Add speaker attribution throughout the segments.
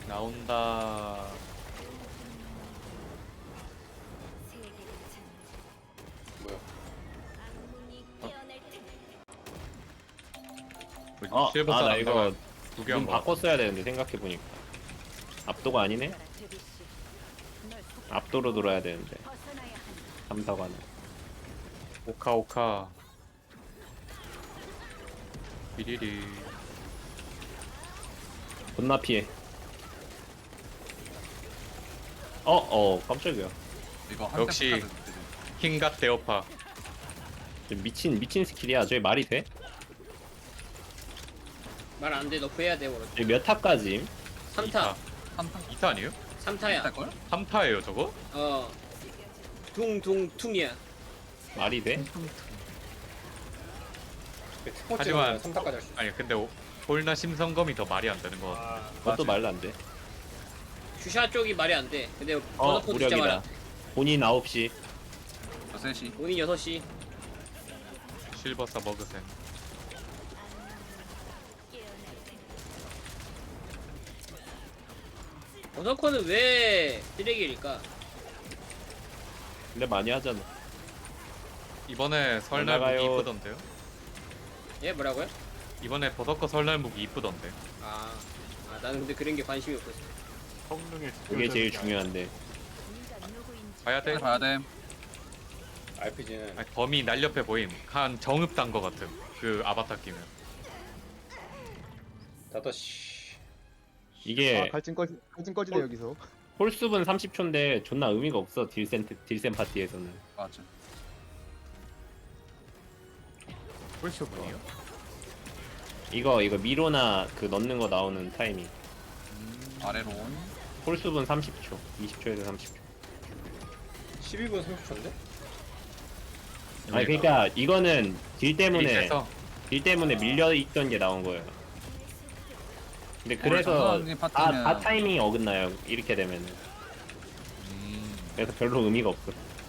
Speaker 1: 나온다.
Speaker 2: 뭐야?
Speaker 1: 실버사
Speaker 3: 나 이거
Speaker 1: 두개한
Speaker 3: 눈
Speaker 1: 거.
Speaker 3: 바꿨어야 되는데 생각해보니까 압도가 아니네? 압도로 돌아야 되는데 3사관은
Speaker 1: 오카. 비리리.
Speaker 3: 존나 피해 깜짝이야
Speaker 2: 이거
Speaker 1: 역시.
Speaker 2: 한대 붙여야 되지.
Speaker 1: 킹갓 대어파.
Speaker 3: 미친 스킬이야 저게 말이 돼?
Speaker 4: 말 안 돼. 너 구해야 돼. 오늘.
Speaker 3: 저게 몇 타까지?
Speaker 4: 3타.
Speaker 2: 한타
Speaker 1: 2타 아니에요?
Speaker 4: 3타야.
Speaker 2: 할걸?
Speaker 1: 3타예요 저거?
Speaker 4: 어. 퉁퉁퉁이야.
Speaker 3: 말이 돼?
Speaker 1: 하지만
Speaker 5: 3타까지 할 수 있어.
Speaker 1: 아니 근데 홀나 심성검이 더 말이 안 되는 거 같아.
Speaker 3: 그것도 말도 안돼
Speaker 4: 주샤 쪽이 말이 안 돼. 근데 버너포 진짜 말
Speaker 3: 무력이다
Speaker 4: 안 돼.
Speaker 3: 본인 9시
Speaker 2: 저 셋이
Speaker 4: 본인 6시.
Speaker 1: 실버사 머그센.
Speaker 4: 버너코는 왜 쓰레기일까?
Speaker 3: 근데 많이 하잖아
Speaker 1: 이번에 설날
Speaker 3: 올라가요.
Speaker 1: 무기 이쁘던데요?
Speaker 4: 예, 뭐라고요?
Speaker 1: 이번에 버섯거 설날 무기 이쁘던데.
Speaker 4: 나는 근데 그런 게 관심이 없었어.
Speaker 5: 성능의
Speaker 3: 그게 제일 중요한데
Speaker 1: 봐야 돼.
Speaker 2: 봐야 돼.
Speaker 5: RPG는
Speaker 1: 아니, 범위 날렵해 보임. 한 정읍단 거 같음. 그 아바타 끼면.
Speaker 5: 5시.
Speaker 3: 이게
Speaker 6: 갈증 꺼지네 여기서.
Speaker 3: 홀수분 30초인데 존나 의미가 없어 딜센 파티에서는
Speaker 2: 맞아.
Speaker 1: 홀쇼분이요?
Speaker 3: 이거 미로나 그 넣는 거 나오는 타이밍
Speaker 2: 아래로 온.
Speaker 3: 홀수분 30초 20초에서 30초
Speaker 5: 12분 30초인데?
Speaker 3: 아니 그러니까 이거는 딜 때문에
Speaker 1: 서
Speaker 3: 밀려있던 게 나온 거예요 근데 그래서
Speaker 2: 정선님 파티는
Speaker 3: 다 타이밍이 어긋나요 이렇게 되면은 그래서 별로 의미가 없어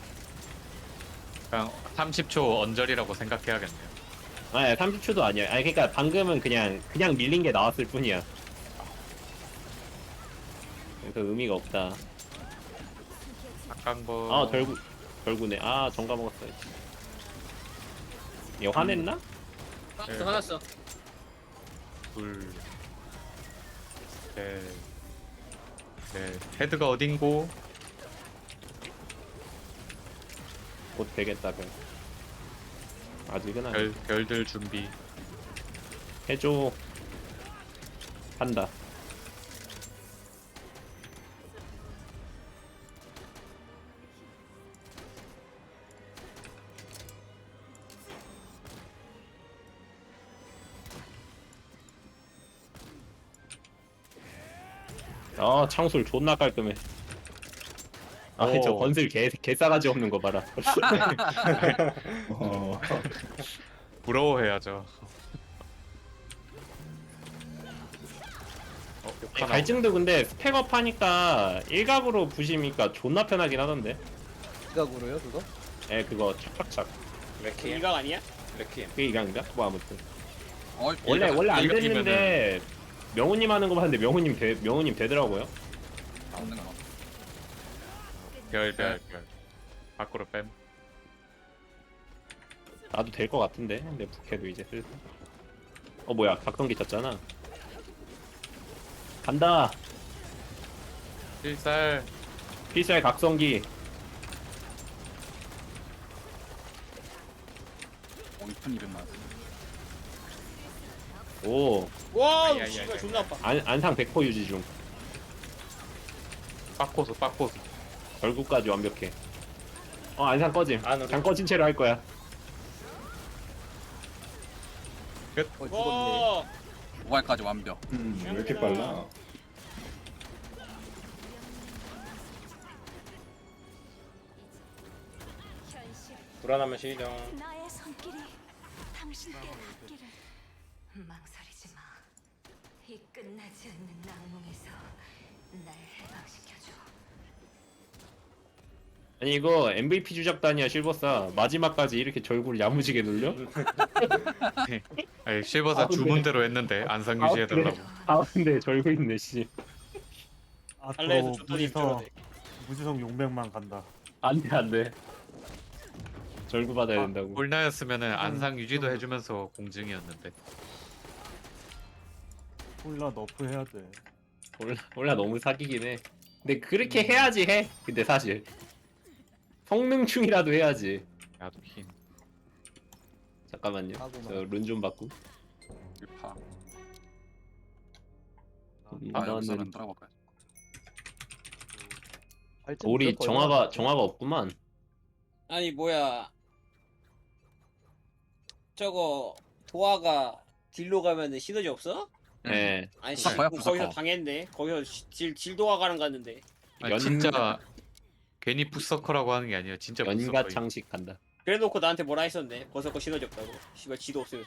Speaker 1: 그냥 30초 언저리라고 생각해야겠네요.
Speaker 3: 아니 30초도 아니야 아니 그러니까 방금은 그냥 밀린 게 나왔을 뿐이야 그래서 의미가 없다
Speaker 1: 악강버.
Speaker 3: 결구네 정가 먹었어야지 얘 화냈나?
Speaker 4: 박스 화났어.
Speaker 1: 둘. 넷. 헤드가 어딘고?
Speaker 3: 곧 되겠다 아직은 아니야
Speaker 1: 별들 준비.
Speaker 3: 해줘 한다 창술 존나 깔끔해
Speaker 1: 오.
Speaker 3: 저 건슬 개 싸가지 없는 거 봐라
Speaker 1: 부러워해야죠. 욕하나?
Speaker 3: 갈증도 근데 스펙업 하니까 일각으로 부시니까 존나 편하긴 하던데
Speaker 6: 시각으로요 그거?
Speaker 3: 그거 착착착
Speaker 5: 레퀴엠.
Speaker 4: 이각 아니야?
Speaker 5: 레퀴엠.
Speaker 3: 그게 이강인가? 뭐 아무튼
Speaker 2: 어,
Speaker 3: 원래 안
Speaker 1: 일각이면은-
Speaker 3: 됐는데 명훈님 하는 거 봤는데 명훈님 되더라고요
Speaker 2: 나오는 거.
Speaker 1: 별. 밖으로 뺨.
Speaker 3: 나도 될 것 같은데 근데 부캐도 이제 슬슬 뭐야 각성기 쳤잖아 간다
Speaker 1: 필살.
Speaker 3: 필살 각성기
Speaker 2: 2,200만.
Speaker 3: 오
Speaker 4: 와,
Speaker 1: 아이, 아이,
Speaker 4: 씨발
Speaker 1: 아이,
Speaker 4: 존나 아파.
Speaker 3: 안상 100% 유지 중
Speaker 1: 빡코스.
Speaker 3: 결국까지 완벽해 안상 꺼짐
Speaker 5: 안으로.
Speaker 3: 장 꺼진 채로 할 거야
Speaker 6: 죽었네.
Speaker 4: 와,
Speaker 2: 5할까지 완벽.
Speaker 7: 왜 이렇게 빨라?
Speaker 5: 불안하면 시정.
Speaker 8: 나의 손길이 당신께 닿기를 망설이지 마. 이 끝나지 않는 악몽에서 날 해방시켜줘.
Speaker 3: 아니 이거 MVP 주작단이야 실버사 마지막까지 이렇게 절구를 야무지게 눌려?
Speaker 1: 아니, 실버사
Speaker 3: 근데-
Speaker 1: 주문대로 했는데 안상 유지해달라고.
Speaker 3: 근데 절구 있네 씨
Speaker 4: 달래에서
Speaker 7: 앞으로
Speaker 4: 줬더니 줘야 돼.
Speaker 7: 무지성 용백만 간다.
Speaker 3: 안돼 안돼. 절구 받아야 된다고.
Speaker 1: 홀나였으면은 안상 유지도 해주면서 공증이었는데.
Speaker 7: 콜라 너프 해야 돼.
Speaker 3: 몰라 너무 사기긴 해. 근데 그렇게 해야지 해. 근데 사실 성능충이라도 해야지.
Speaker 1: 야도 힘.
Speaker 3: 잠깐만요.
Speaker 6: 하고만.
Speaker 3: 저 룬 좀 바꾸.
Speaker 2: 일파. 아
Speaker 3: 나는
Speaker 2: 여기서는 돌아볼까요?
Speaker 6: 발전
Speaker 3: 우리
Speaker 6: 무조건 얼마나
Speaker 3: 정화가
Speaker 6: 많죠?
Speaker 3: 정화가 없구만.
Speaker 4: 아니 뭐야 저거 도화가 딜로 가면은 시너지 없어?
Speaker 3: 예.
Speaker 4: 아니
Speaker 2: 부서커요,
Speaker 4: 거기서
Speaker 2: 부서커.
Speaker 4: 당했네. 거기서 질 도화가랑 갔는데.
Speaker 1: 아니,
Speaker 3: 연-
Speaker 1: 진짜 괜히 푸서커라고 하는 게 아니에요. 진짜
Speaker 3: 연가
Speaker 1: 푸서커.
Speaker 3: 창식한다.
Speaker 4: 그래놓고 나한테 뭐라 했었네. 버섯거 시너지 없다고. 씨발 지도 없으면서.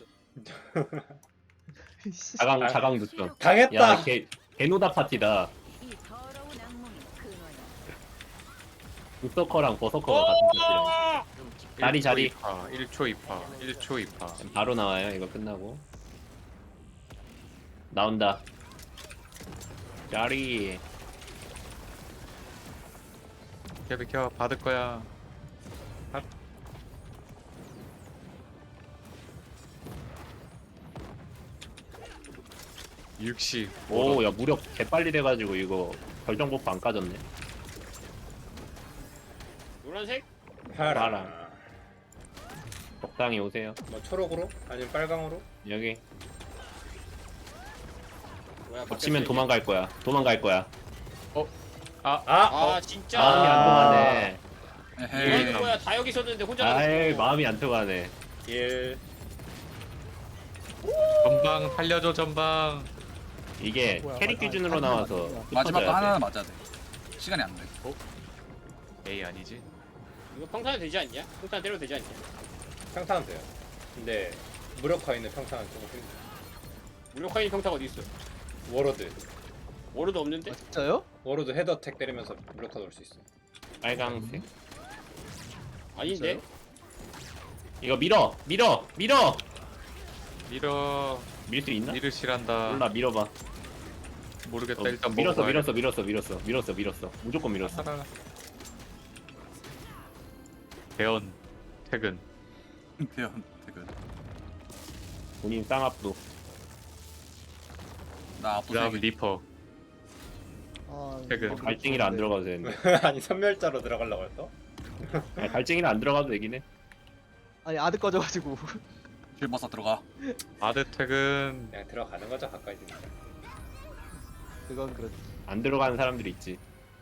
Speaker 6: 씨,
Speaker 3: 자강 득점.
Speaker 5: 당했다.
Speaker 3: 야, 개노다 파티다.
Speaker 8: 이 더러운 악몽이 근원이야.
Speaker 3: 북서커랑 버서커가 같은 파티라. 자리, 자리.
Speaker 1: 1초 2파. 1초 2파.
Speaker 3: 바로 나와요. 이거 끝나고. 나온다. 자리.
Speaker 1: 비켜 받을 거야. 육시.
Speaker 3: 오, 야 무력 개빨리 돼가지고 이거 결정 버프 안 까졌네.
Speaker 4: 노란색?
Speaker 5: 파랑.
Speaker 3: 적당히 오세요.
Speaker 5: 뭐 초록으로? 아니면 빨강으로?
Speaker 3: 여기
Speaker 4: 뭐야?
Speaker 3: 겹치면
Speaker 4: 바뀌었어,
Speaker 3: 도망갈 거야. 도망갈 거야.
Speaker 5: 아!
Speaker 4: 아 진짜.
Speaker 3: 마음이 안 통하네.
Speaker 2: 에헤이.
Speaker 4: 이건 뭐야? 다 여기 있었는데 혼자
Speaker 3: 아이
Speaker 4: 가서.
Speaker 3: 마음이 안 통하네.
Speaker 5: 1.
Speaker 1: 전방 살려줘 전방.
Speaker 3: 이게
Speaker 6: 뭐야,
Speaker 3: 캐릭
Speaker 6: 아니,
Speaker 3: 기준으로
Speaker 6: 아니,
Speaker 3: 나와서
Speaker 6: 아니야.
Speaker 2: 마지막 거
Speaker 3: 흩어져야
Speaker 2: 하나는
Speaker 3: 돼.
Speaker 2: 맞아야 돼. 시간이 안 돼.
Speaker 1: 에이 아니지.
Speaker 4: 이거 평탄은 되지 않냐? 평탄 때려도 되지 않냐?
Speaker 5: 평탄은 돼요. 근데 무력화 있는 평탄은 조금 힘들어.
Speaker 4: 무력화인 평타가 어디 있어?
Speaker 5: 워로드.
Speaker 4: 워르도 없는데?
Speaker 6: 아, 진짜요?
Speaker 5: 워로드 헤더택 때리면서 무력화 넣을 수 있어.
Speaker 3: 빨강색.
Speaker 4: 아닌데?
Speaker 3: 이거 밀어.
Speaker 1: 밀어.
Speaker 3: 밀 수 있나?
Speaker 1: 밀으시란다.
Speaker 3: 몰라 밀어봐.
Speaker 1: 모르겠다.
Speaker 3: 어,
Speaker 1: 일단
Speaker 3: 밀었어
Speaker 1: 먹어봐야겠다.
Speaker 3: 밀었어. 무조건 밀었어.
Speaker 1: 살아라. 대원 퇴근.
Speaker 2: 대현 퇴근.
Speaker 3: 본인 쌍압도.
Speaker 2: 나 앞으로
Speaker 1: 그다음
Speaker 2: 세개.
Speaker 1: 리퍼.
Speaker 6: 아,
Speaker 1: 퇴근.
Speaker 6: 이거
Speaker 3: 갈증이라 안
Speaker 6: 좋은데.
Speaker 3: 들어가도 되는데.
Speaker 5: 아니 선멸자로 들어가려고 했어?
Speaker 3: 아니, 갈증이라 안 들어가도 되긴 해.
Speaker 6: 아니 아드 꺼져가지고
Speaker 2: 실버사 들어가.
Speaker 1: 아드 퇴근.
Speaker 5: 그냥 들어가는 거죠 가까이 있으니까.
Speaker 6: 그건 그렇지.
Speaker 3: 안 들어가는 사람들이 있지.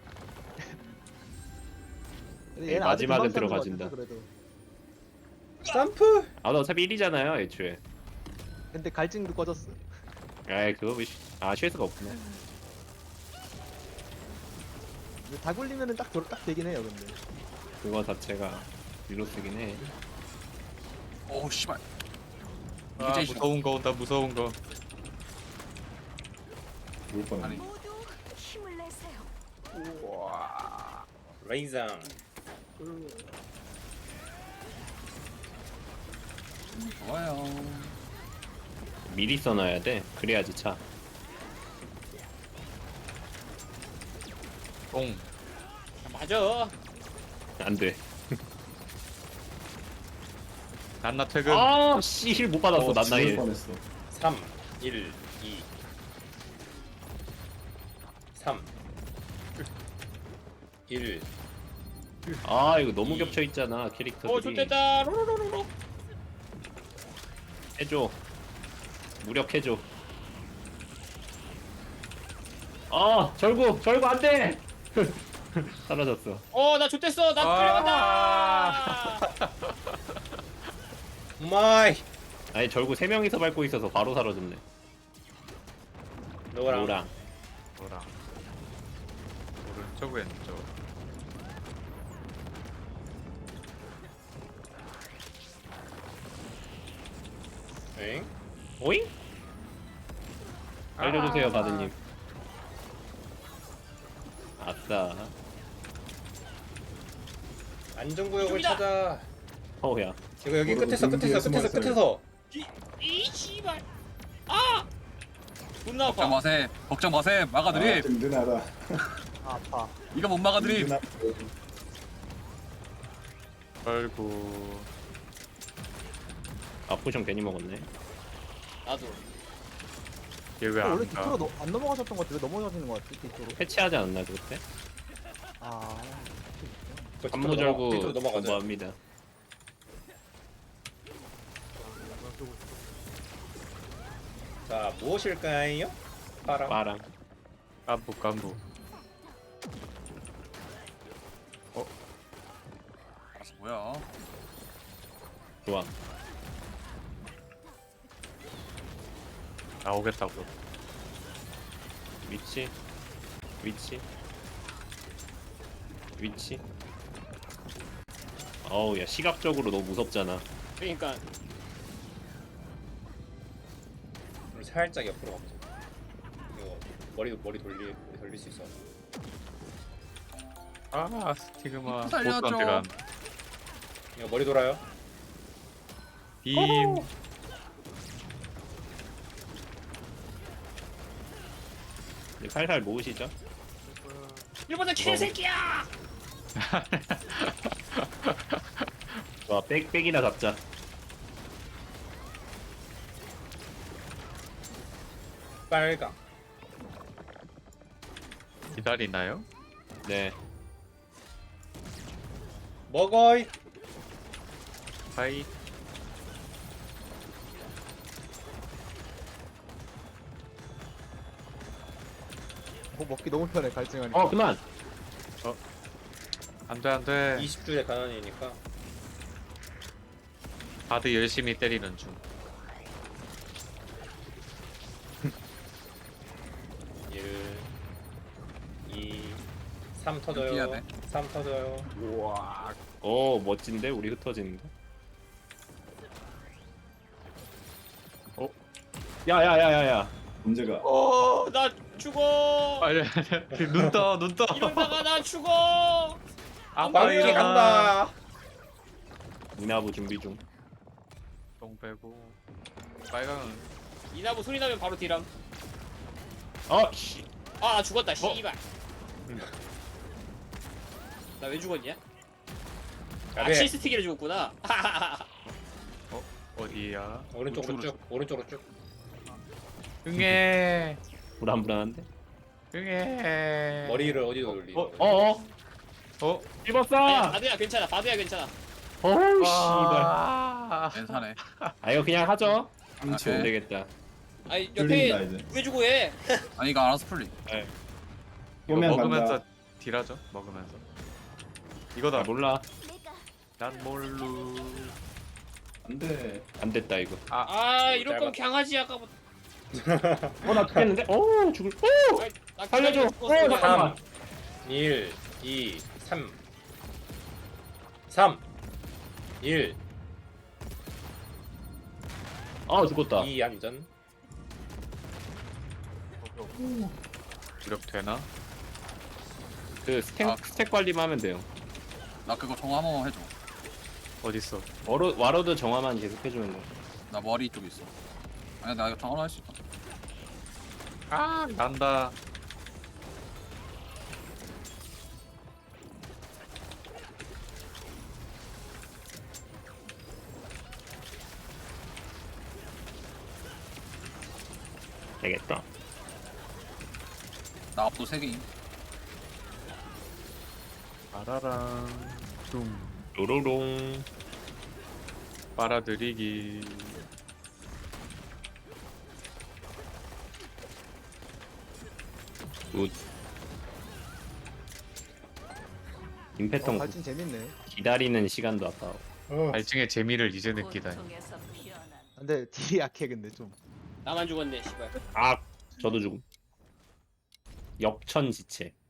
Speaker 6: 근데 얘는 아드
Speaker 3: 마지막은
Speaker 6: 금방 사는 것
Speaker 3: 들어가준다.
Speaker 6: 같아서 그래도.
Speaker 5: 점프!
Speaker 3: 아, 나 어차피 1이잖아요, 애초에.
Speaker 6: 근데 갈증도 꺼졌어.
Speaker 3: 아이, 그거 쉴 수가 없구나.
Speaker 6: 근데 다 굴리면은 딱 되긴 해요 근데.
Speaker 3: 그거 자체가 릴로스긴 해.
Speaker 2: 오 씨발. 이게
Speaker 1: 아,
Speaker 2: 제일 싫어.
Speaker 1: 무서운 거 온다. 무서운 거.
Speaker 3: 울 뻔.
Speaker 2: 아니.
Speaker 8: 모두 힘을 내세요.
Speaker 5: 레이상.
Speaker 2: 좋아요.
Speaker 3: 미리 써놔야 돼. 그래야지 차.
Speaker 1: 똥.
Speaker 4: 맞아.
Speaker 3: 안 돼.
Speaker 1: 난나 퇴근.
Speaker 3: 아, 씨, 힐 못 받았어, 난 나이.
Speaker 5: 3, 1, 2. 3. 1.
Speaker 3: 아, 이거 너무 겹쳐 있잖아, 캐릭터들이.
Speaker 4: 좋됐다. 로로로로로.
Speaker 3: 해줘. 무력해줘. 아, 절구 안 돼! 사라졌어.
Speaker 4: 나 좋댔어. 나 끌려간다.
Speaker 5: 마이!
Speaker 3: 아니, 절구 3명이서 밟고 있어서 바로 사라졌네.
Speaker 5: 노랑.
Speaker 3: 노랑.
Speaker 1: 노랑. 오른쪽 왼쪽.
Speaker 5: 엥?
Speaker 3: 오잉? 알려주세요, 바드님. 아싸.
Speaker 5: 안전구역을
Speaker 4: 이쪽이다.
Speaker 5: 찾아.
Speaker 3: 허우야.
Speaker 5: 이거 여기 끝에서.
Speaker 4: 이 씨발. 아. 존나
Speaker 2: 걱정
Speaker 4: 아파.
Speaker 2: 마세. 걱정 마세. 막아드림.
Speaker 9: 든든하다.
Speaker 6: 아파.
Speaker 2: 이거 못 막아드림.
Speaker 1: 아이고.
Speaker 3: 아 포션 괜히 먹었네.
Speaker 4: 나도.
Speaker 1: 얘 왜
Speaker 6: 원래
Speaker 1: 안 가?
Speaker 6: 뒤쪽으로 안 넘어가셨던 것 같아. 왜 넘어가시는 것 같지? 뒤쪽으로.
Speaker 3: 패치하지 않았나 그때?
Speaker 6: 아.
Speaker 3: 안무절구
Speaker 5: 뒤로 넘어가자.
Speaker 3: 공부합니다.
Speaker 5: 자 무엇일까요? 파랑.
Speaker 3: 빠랑.
Speaker 1: 깐부.
Speaker 2: 알았어 뭐야?
Speaker 3: 좋아.
Speaker 1: 나오겠다고.
Speaker 3: 위치. 어우 야 시각적으로 너무 무섭잖아.
Speaker 4: 그러니까
Speaker 5: 우리 살짝 옆으로 가보자. 이거 머리 돌릴 수 있어.
Speaker 1: 아 스티그마.
Speaker 2: 살려줘.
Speaker 1: 보스한테 간.
Speaker 5: 이거 머리 돌아요.
Speaker 1: 빔.
Speaker 3: 이제 살살 모으시죠.
Speaker 4: 일본의 개새끼야.
Speaker 3: 좋아 빽이나 잡자.
Speaker 5: 빨강.
Speaker 1: 기다리나요?
Speaker 3: 네.
Speaker 5: 먹어이.
Speaker 1: 하이.
Speaker 6: 뭐 먹기 너무 편해 갈증하니까.
Speaker 3: 어 그만.
Speaker 1: 안돼.
Speaker 5: 20줄의 가난이니까.
Speaker 1: 다들 열심히 때리는 중.
Speaker 5: 1, 2, 3
Speaker 2: 피해야
Speaker 5: 터져요.
Speaker 2: 돼.
Speaker 5: 3 터져요.
Speaker 3: 우와. 오 멋진데 우리 흩어지는데. 어? 야야야야야.
Speaker 9: 문제가
Speaker 4: 나 죽어.
Speaker 1: 아니 눈 떠.
Speaker 4: 이러다가 나 죽어.
Speaker 1: 아빠
Speaker 5: 빨리
Speaker 1: 일어나.
Speaker 5: 간다.
Speaker 3: 이나부 준비 중.
Speaker 1: 똥 빼고. 빨강은
Speaker 4: 이나무 소리 나면 바로 딜함.
Speaker 3: 어 씨.
Speaker 4: 아, 나 죽었다. 씨발. 나 왜 죽었냐? 아,
Speaker 5: 야배.
Speaker 4: 칠스틱이라 죽었구나.
Speaker 1: 어디야?
Speaker 5: 오른쪽으로 쭉. 오른쪽으로 쭉.
Speaker 1: 응애.
Speaker 3: 불안불안한데?
Speaker 1: 응애.
Speaker 5: 머리를 어디로 돌리?
Speaker 3: 어어어.
Speaker 1: 어?
Speaker 3: 씹었어.
Speaker 4: 아니야, 바드야 괜찮아. 바드야 괜찮아.
Speaker 3: 어우 씨발.
Speaker 1: 아.
Speaker 2: 괜찮네.
Speaker 3: 아 이거 그냥 하죠.
Speaker 2: 아,
Speaker 3: 안
Speaker 2: 네.
Speaker 3: 되겠다.
Speaker 4: 아니
Speaker 9: 뚫린다
Speaker 4: 옆에
Speaker 9: 이제.
Speaker 4: 왜 주고 해?
Speaker 2: 아니 이거 알아서 풀리.
Speaker 1: 이거
Speaker 9: 보면
Speaker 1: 먹으면서
Speaker 9: 간다.
Speaker 1: 딜하죠? 먹으면서.
Speaker 3: 나
Speaker 1: 이거다.
Speaker 3: 몰라.
Speaker 1: 난 몰루.
Speaker 9: 안돼.
Speaker 3: 안 됐다 이거.
Speaker 4: 아, 이럴 거면 강아지 아까부터.
Speaker 3: 어나 죽겠는데? 어 죽을. 오
Speaker 4: 아이, 나
Speaker 3: 살려줘.
Speaker 4: 기다리고 죽었어, 그냥.
Speaker 3: 잠깐만.
Speaker 5: 1, 2, 3. 3. 1,
Speaker 3: 아 죽었다.
Speaker 5: 2 안전.
Speaker 1: 이렇게 되나?
Speaker 3: 그 스택
Speaker 2: 아.
Speaker 3: 스택 관리만 하면 돼요.
Speaker 2: 나 그거 정화 한번 해줘.
Speaker 1: 어딨어?
Speaker 3: 와로드 정화만 계속 해주면 돼.
Speaker 2: 나 머리 쪽에 있어. 아니 나 이거 정화 할 수 있다.
Speaker 1: 아 난다.
Speaker 3: 되겠다.
Speaker 2: 나 앞도 3개임.
Speaker 1: 빠라랑 뚱.
Speaker 3: 로로롱.
Speaker 1: 빨아들이기.
Speaker 3: 굿. 임패턴
Speaker 6: 갈증 재밌네.
Speaker 3: 기다리는 시간도 아까워.
Speaker 1: 발증의 재미를 이제 느끼다니.
Speaker 8: 고통에서 피어난
Speaker 6: 근데 딜이 약해 근데 좀.
Speaker 4: 나만 죽었네, 씨발.
Speaker 3: 아 저도 죽음. 역천지체.